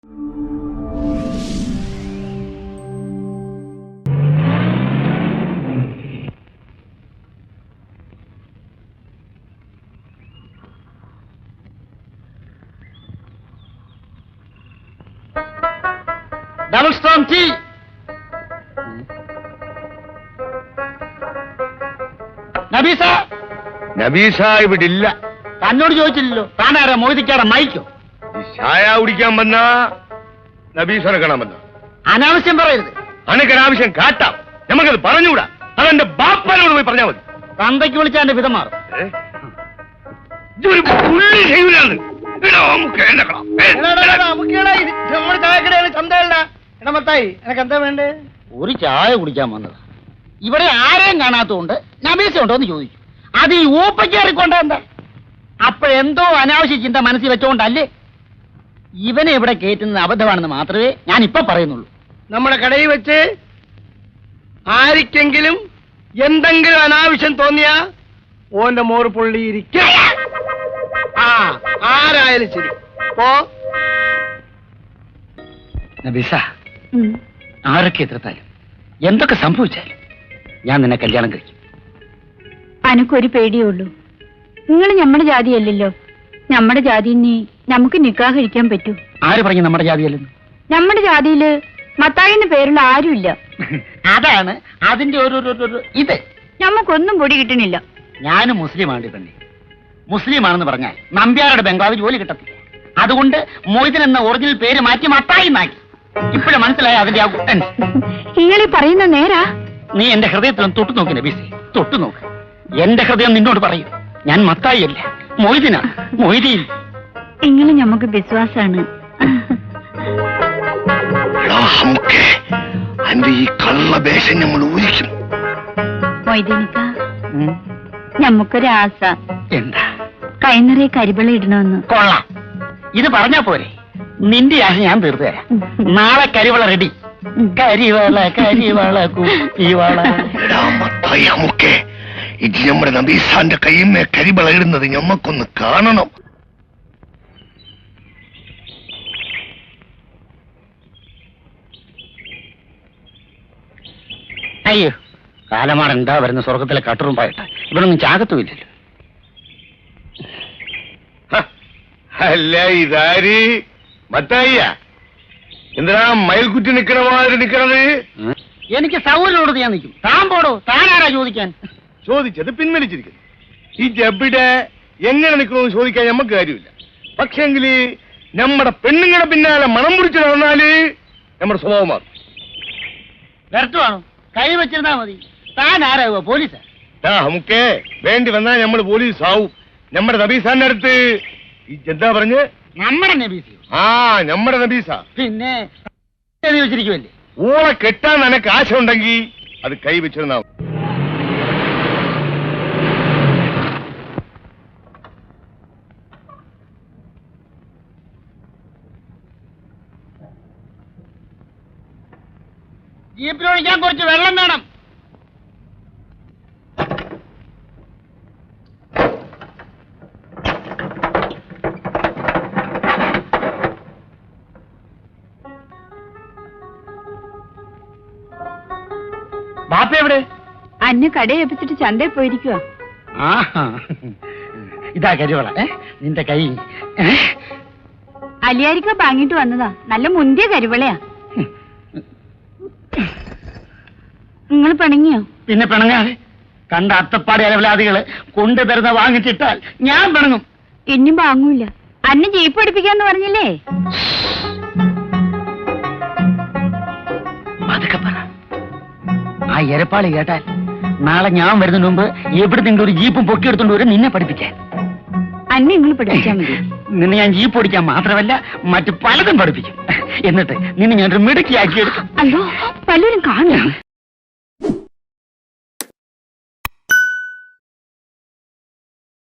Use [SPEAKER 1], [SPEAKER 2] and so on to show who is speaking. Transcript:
[SPEAKER 1] Double strong tea. Nabeesa
[SPEAKER 2] Nabeesa ഇവിടെ ഇല്ല.
[SPEAKER 1] തന്നോട് ചോദിച്ചില്ലല്ലോ. താനാരാ മൊയ്തിക്കാടെ മൈക്കോ?
[SPEAKER 2] ഈ ചായ കുടിക്കാൻ വന്ന നബീസനെ കാണാൻ വന്ന
[SPEAKER 1] അനാവശ്യം പറയരുത്.
[SPEAKER 2] അനക്കൊരാവശ്യം കാട്ടാം, നമുക്കത് പറഞ്ഞുകൂടാ. അതെന്റെ ബാപ്പനോട് പോയി പറഞ്ഞാൽ മതി.
[SPEAKER 1] തന്തയ്ക്ക് വിളിച്ചാൽ എന്റെ വിധം മാറും.
[SPEAKER 2] ഇതൊരു പുള്ളി ചെയ്യൂലാണ്.
[SPEAKER 1] ഒരു ചായ കുടിക്കാൻ വന്നത്. ഇവിടെ ആരെയും കാണാത്തതുകൊണ്ട് നബീസ ഉണ്ടോ എന്ന് ചോദിച്ചു. അത് ഈ ഊപ്പയ്ക്കേറിക്കൊണ്ട എന്താ? അപ്പോഴെന്തോ അനാവശ്യ ചിന്ത മനസ്സിൽ വെച്ചോണ്ടല്ലേ. ഇവനെ ഇവിടെ കയറ്റുന്നത് അബദ്ധമാണെന്ന് മാത്രമേ ഞാൻ ഇപ്പൊ പറയുന്നുള്ളൂ.
[SPEAKER 3] നമ്മുടെ കടയിൽ വെച്ച് ആരിക്കെങ്കിലും എന്തെങ്കിലും അനാവശ്യം തോന്നിയാ ഓന്റെ മോറ് പൊള്ളിയിരിക്കും. ആരായാലും ശരി. ഓ
[SPEAKER 1] നബീസ, ആരൊക്കെ എതിർത്താലും എന്തൊക്കെ സംഭവിച്ചാലും ഞാൻ നിന്നെ കല്യാണം കഴിക്കും.
[SPEAKER 4] അനക്കൊരു പേടിയേ ഉള്ളൂ. നിങ്ങൾ നമ്മുടെ ജാതിയല്ലല്ലോ. നമ്മുടെ ജാതിന് നമുക്ക് നിക്കാഹ് കഴിക്കാൻ പറ്റൂ.
[SPEAKER 1] ആര് പറഞ്ഞു നമ്മുടെ ജാതിയല്ലെന്ന്?
[SPEAKER 4] നമ്മുടെ ജാതിയില് മത്തായിന്ന് പേരുള്ള ആരുമില്ല.
[SPEAKER 1] അതാണ് അതിന്റെ ഒരു ഇത്.
[SPEAKER 4] നമുക്കൊന്നും പൊടി കിട്ടണില്ല.
[SPEAKER 1] ഞാനും മുസ്ലിമാണ് പെണ്ണി. മുസ്ലിമാണെന്ന് പറഞ്ഞാൽ നമ്പ്യാരുടെ ബംഗ്ലാവ് ജോലി കിട്ടത്തില്ല. അതുകൊണ്ട് മൊയ്തൻ എന്ന ഒറിജിനൽ പേര് മാറ്റി മത്തായി എന്നാക്കി. ഇപ്പോഴും മനസ്സിലായ അതിന്റെ ആ കുട്ടൻ.
[SPEAKER 4] നിങ്ങളീ പറയുന്ന നേരാ?
[SPEAKER 1] നീ എന്റെ ഹൃദയത്തിലൊന്ന് തൊട്ടു നോക്കി നബീസേ, തൊട്ടു നോക്ക്. എന്റെ ഹൃദയം നിന്നോട് പറയും, ഞാൻ മത്തായി അല്ല, മൊയ്തിനാ, മൊയ്തീൻ.
[SPEAKER 4] നിങ്ങള് ഞമ്മക്ക് വിശ്വാസാണ്.
[SPEAKER 2] ഈ കള്ളവേഷം നമ്മൾ ഊഹിക്കും.
[SPEAKER 4] മൊയ്തീനിക്ക, ഞമ്മക്കൊരാസ.
[SPEAKER 1] എന്താ?
[SPEAKER 4] കൈനിറയെ കരിവള ഇടണമെന്ന്.
[SPEAKER 1] കൊള്ളാം. ഇത് പറഞ്ഞാ പോരെ? നിന്റെ ആശ ഞാൻ തീർത്തു തരാം. നാളെ കരിവള റെഡി. കരിവള കരിവള കുപ്പിവള.
[SPEAKER 2] ഇത് നമ്മുടെ നബീസാന്റെ കയ്യുമേ കരിവള ഇടുന്നത് ഞമ്മക്കൊന്ന് കാണണം.
[SPEAKER 1] അയ്യോ, കാലമാണ് എന്താ വരുന്ന സ്വർഗത്തിലെ കട്ടുറുമ്പായിട്ട്. ഇവിടൊന്നും ചാകത്തുമില്ലല്ലോ.
[SPEAKER 2] അല്ല, ഇതാര് മത്തായിയ? എന്തിനാ മയിൽക്കുറ്റി നിക്കണ മാതിരി നിക്കണത്?
[SPEAKER 1] എനിക്ക് സൗകര്യമുള്ളത് ഞാൻ നിൽക്കും. താൻ പോടോ, താനാരാ ചോദിക്കാൻ?
[SPEAKER 2] ചോദിച്ചത് പിൻവലിച്ചിരിക്കുന്നു. ഈ ജബിടെ എങ്ങനെ നിൽക്കണമെന്ന് ചോദിക്കാൻ നമുക്ക് കാര്യമില്ല. പക്ഷെങ്കില് നമ്മുടെ പെണ്ണുങ്ങളുടെ പിന്നാലെ മണം പിടിച്ചു നടന്നാല് നമ്മുടെ സ്വഭാവം മാറും.
[SPEAKER 1] വ്യർത്ഥമാണോ? കൈ വെച്ചിരുന്നാ മതി. താൻ ആരാകുക? പോലീസാ?
[SPEAKER 2] നമുക്ക് വേണ്ടി വന്നാൽ നമ്മൾ പോലീസ് ആവും. നമ്മുടെ നബീസാന്റെ അടുത്ത് എന്താ പറഞ്ഞ്?
[SPEAKER 1] നമ്മുടെ നബീസ?
[SPEAKER 2] നമ്മുടെ നബീസ.
[SPEAKER 1] പിന്നെ വെച്ചിരിക്കുമല്ലേ?
[SPEAKER 2] ഓളെ കെട്ടാൻ നിനക്ക് ആശ ഉണ്ടെങ്കിൽ അത് കൈ വെച്ചിരുന്നാവും.
[SPEAKER 1] ജീപ്പിലൊഴിക്കാൻ കുറച്ച് വെള്ളം വേണം. ബാപ്പ എവിടെ?
[SPEAKER 4] അന്ന് കടയേപ്പിച്ചിട്ട് ചന്തയിൽ പോയിരിക്കുക.
[SPEAKER 1] ഇതാ കരിവള. നിന്റെ കൈ
[SPEAKER 4] അലിയാരിക്ക വാങ്ങിട്ട് വന്നതാ. നല്ല മുന്തിയ കരിവളയാ. നിങ്ങൾ പിണങ്ങിയോ?
[SPEAKER 1] പിന്നെ പിണങ്ങാതെ. കണ്ട അത്തപ്പാടി അലവലാദികള് കൊണ്ടുതരുന്ന വാങ്ങിച്ചിട്ടാൽ ഞാൻ പിണങ്ങും.
[SPEAKER 4] ഇനിയും വാങ്ങൂല. അന്ന് ജീപ്പ് പഠിപ്പിക്കാന്ന് പറഞ്ഞില്ലേ?
[SPEAKER 1] അതൊക്കെ പറ. ആ എരപ്പാളി കേട്ടാൽ നാളെ ഞാൻ വരുന്നതിന് മുമ്പ് എവിടെ നിങ്ങൾ ഒരു ജീപ്പും പൊക്കിയെടുത്തോണ്ട് വരും നിന്നെ പഠിപ്പിക്കാൻ.
[SPEAKER 4] അന്ന് നിങ്ങൾ പഠിപ്പിച്ചാൽ മതി.
[SPEAKER 1] നിന്നെ ഞാൻ ജീപ്പ് ഓടിക്കാൻ മാത്രമല്ല മറ്റു പലതും പഠിപ്പിക്കും. എന്നിട്ട് നിന്നെ ഞാനൊരു മിടുക്കിയാക്കിയെടുക്കും.
[SPEAKER 4] അല്ലോ, പലരും കാണും.